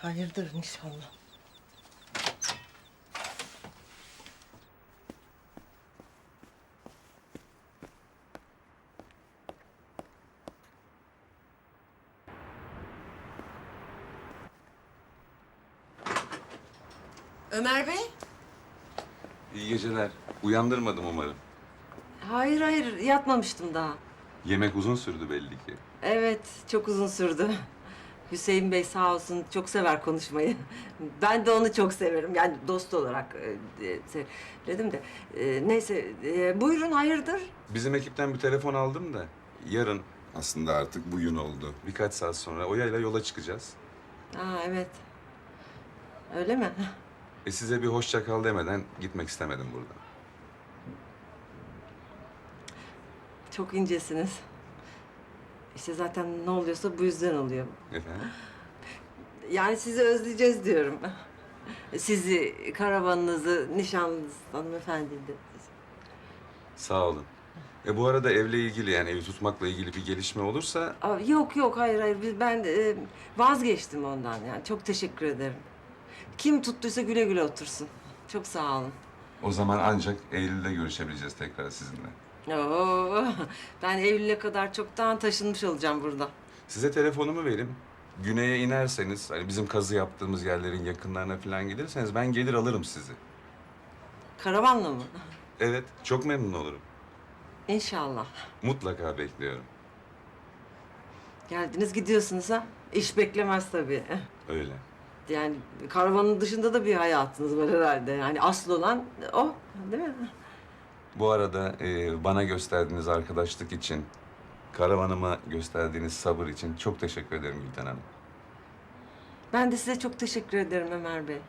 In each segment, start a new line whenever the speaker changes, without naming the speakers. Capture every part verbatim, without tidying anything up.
Hayırdır inşallah. Ömer Bey?
İyi geceler. Uyandırmadım umarım.
Hayır hayır yatmamıştım daha.
Yemek uzun sürdü belli ki.
Evet çok uzun sürdü. Hüseyin Bey sağ olsun çok sever konuşmayı. Ben de onu çok severim. Yani dost olarak e, e, söyledim de. E, neyse e, buyurun hayırdır?
Bizim ekipten bir telefon aldım da yarın, aslında artık bugün oldu, birkaç saat sonra Oya'yla yola çıkacağız.
Ha evet. Öyle mi?
E size bir hoşça kal demeden gitmek istemedim buradan.
Çok incesiniz. İşte zaten ne oluyorsa bu yüzden oluyor.
Efendim?
Yani sizi özleyeceğiz diyorum. Sizi, karavanınızı, nişanlınızı, hanımefendiyi de.
Sağ olun. E bu arada evle ilgili, yani evi tutmakla ilgili bir gelişme olursa
Aa, yok yok hayır hayır Biz- ben e, vazgeçtim ondan yani çok teşekkür ederim. Kim tuttuysa güle güle otursun. Çok sağ olun.
o zaman ancak Eylül'de görüşebileceğiz tekrar sizinle.
Oo, ben Eylül'e kadar çoktan taşınmış olacağım burada.
Size telefonumu vereyim. Güney'e inerseniz, hani bizim kazı yaptığımız yerlerin yakınlarına falan gelirseniz ben gelir alırım sizi.
Karavanla mı?
Evet, çok memnun olurum.
İnşallah.
Mutlaka bekliyorum.
Geldiniz gidiyorsunuz ha. İş beklemez tabii.
Öyle.
Yani karavanın dışında da bir hayatınız var herhalde. Yani asıl olan o, değil mi?
Bu arada e, bana gösterdiğiniz arkadaşlık için, karavanıma gösterdiğiniz sabır için çok teşekkür ederim Gülten Hanım.
Ben de size çok teşekkür ederim Ömer Bey.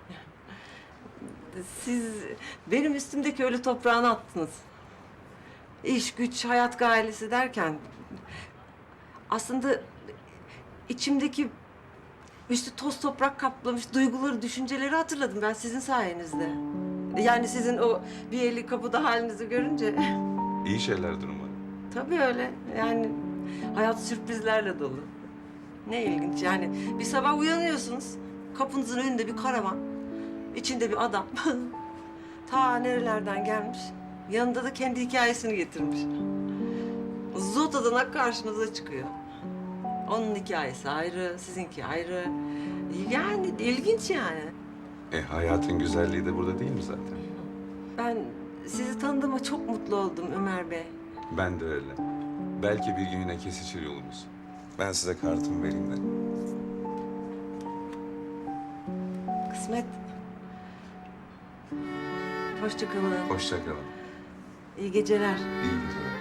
Siz benim üstümdeki ölü toprağını attınız. İş, güç, hayat gailesi derken... aslında içimdeki üstü toz toprak kaplamış duyguları, düşünceleri hatırladım ben sizin sayenizde. Yani sizin o bir eli kapıda halinizi görünce...
İyi şeylerdir umarım.
Tabii öyle. Yani hayat sürprizlerle dolu. Ne ilginç yani. Bir sabah uyanıyorsunuz. Kapınızın önünde bir karavan. İçinde bir adam. Ta nerelerden gelmiş. Yanında da kendi hikayesini getirmiş. Zota'dan karşınıza çıkıyor. Onun hikayesi ayrı, sizinki ayrı. Yani ilginç yani.
E hayatın güzelliği de burada değil mi zaten?
Ben sizi tanıdığıma çok mutlu oldum Ömer Bey.
Ben de öyle. Belki bir gün yine kesişir yolumuz. Ben size kartımı vereyim de.
Kısmet. Hoşça kalın.
Hoşça kalın.
İyi geceler.
İyi geceler.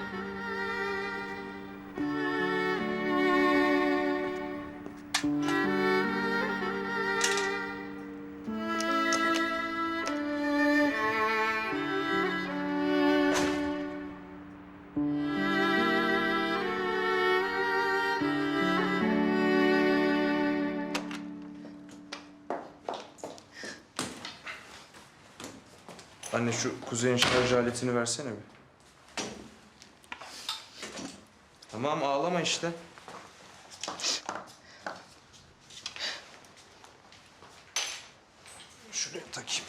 Anne şu Kuzey'in şarj aletini versene bir. Tamam ağlama işte. Şuraya takayım.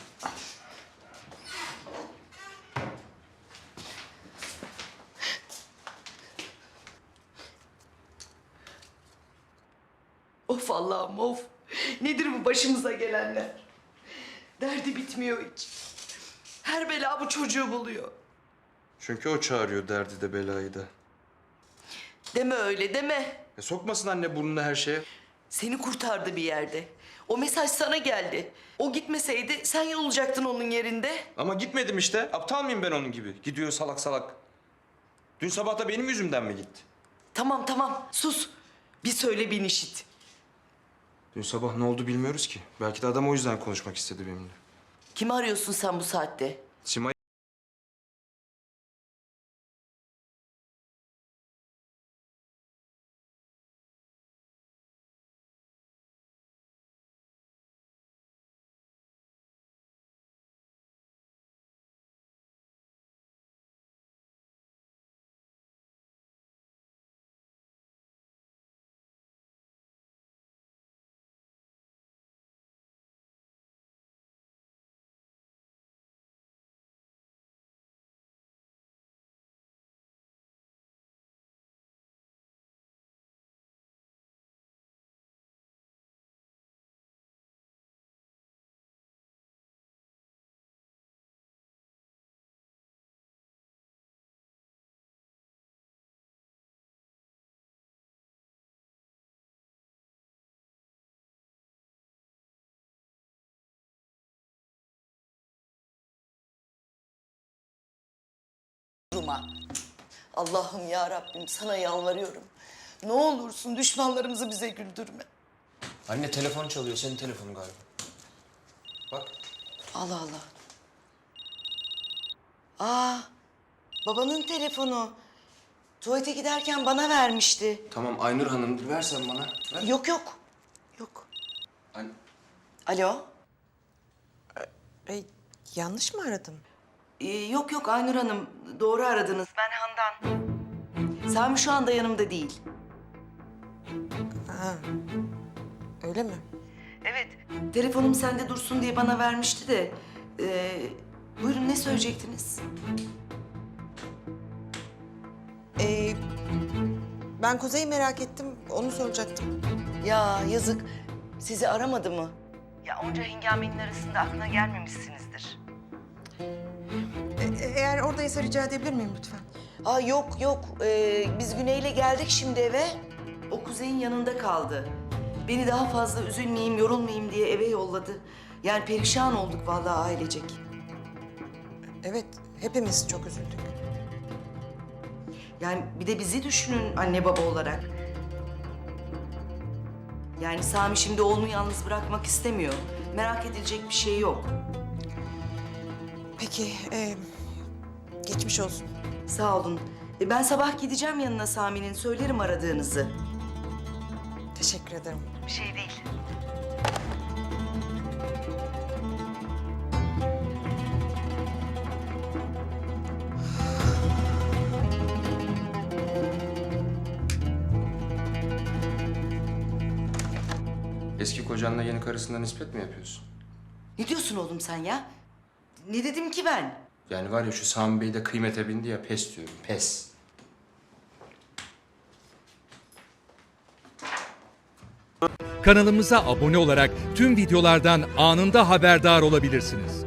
Of Allah'ım of. Nedir bu başımıza gelenler? Derdi bitmiyor hiç. Her bela bu çocuğu buluyor.
Çünkü o çağırıyor derdi de belayı da.
Deme öyle deme.
E sokmasın anne burnunu her şeye.
Seni kurtardı bir yerde. O mesaj sana geldi. O gitmeseydi sen olacaktın onun yerinde.
Ama gitmedim işte. Aptal mıyım ben onun gibi? Gidiyor salak salak. Dün sabah da benim yüzümden mi gitti?
Tamam tamam sus. Bir söyle bin işit.
Dün sabah ne oldu bilmiyoruz ki. Belki de adam o yüzden konuşmak istedi benimle.
Kimi arıyorsun sen bu saatte?
Simay
duruma. Allah'ım ya Rabbim sana yalvarıyorum. Ne olursun düşmanlarımızı bize güldürme.
Anne telefon çalıyor. Senin telefonun galiba. Bak.
Allah Allah. Aa, babanın telefonu. Tuvalete giderken bana vermişti.
Tamam Aynur Hanım versen bana. Ver.
Yok yok. Yok.
An-
Alo.
E, yanlış mı aradım?
Ee, yok yok Aynur Hanım. Doğru aradınız. Ben Handan. Sami şu anda yanımda değil.
Ha, öyle mi?
Evet. Telefonum sende dursun diye bana vermişti de. ee, buyurun ne söyleyecektiniz?
E, ben Kuzey'i merak ettim, onu soracaktım.
Ya yazık. Sizi aramadı mı? Ya onca hengamenin arasında aklına gelmemişsinizdir.
E, eğer oradaysa rica edebilir miyim lütfen?
Aa yok yok. Ee, biz Güney'le geldik şimdi eve. O Kuzey'in yanında kaldı. Beni daha fazla üzülmeyeyim, yorulmayayım diye eve yolladı. Yani perişan olduk vallahi ailecek.
Evet, hepimiz çok üzüldük.
Yani bir de bizi düşünün anne baba olarak. Yani Sami şimdi oğlunu yalnız bırakmak istemiyor. Merak edilecek bir şey yok.
Peki, e, geçmiş olsun.
Sağ olun. E, ben sabah gideceğim yanına Sami'nin. Söylerim aradığınızı.
Teşekkür ederim.
Bir şey değil.
Eski kocanla yeni karısına nispet mi yapıyorsun?
Ne diyorsun oğlum sen ya? Ne dedim ki ben?
Yani var ya şu Sami Bey de kıymete bindi ya pes diyorum. Pes.
Kanalımıza abone olarak tüm videolardan anında haberdar olabilirsiniz.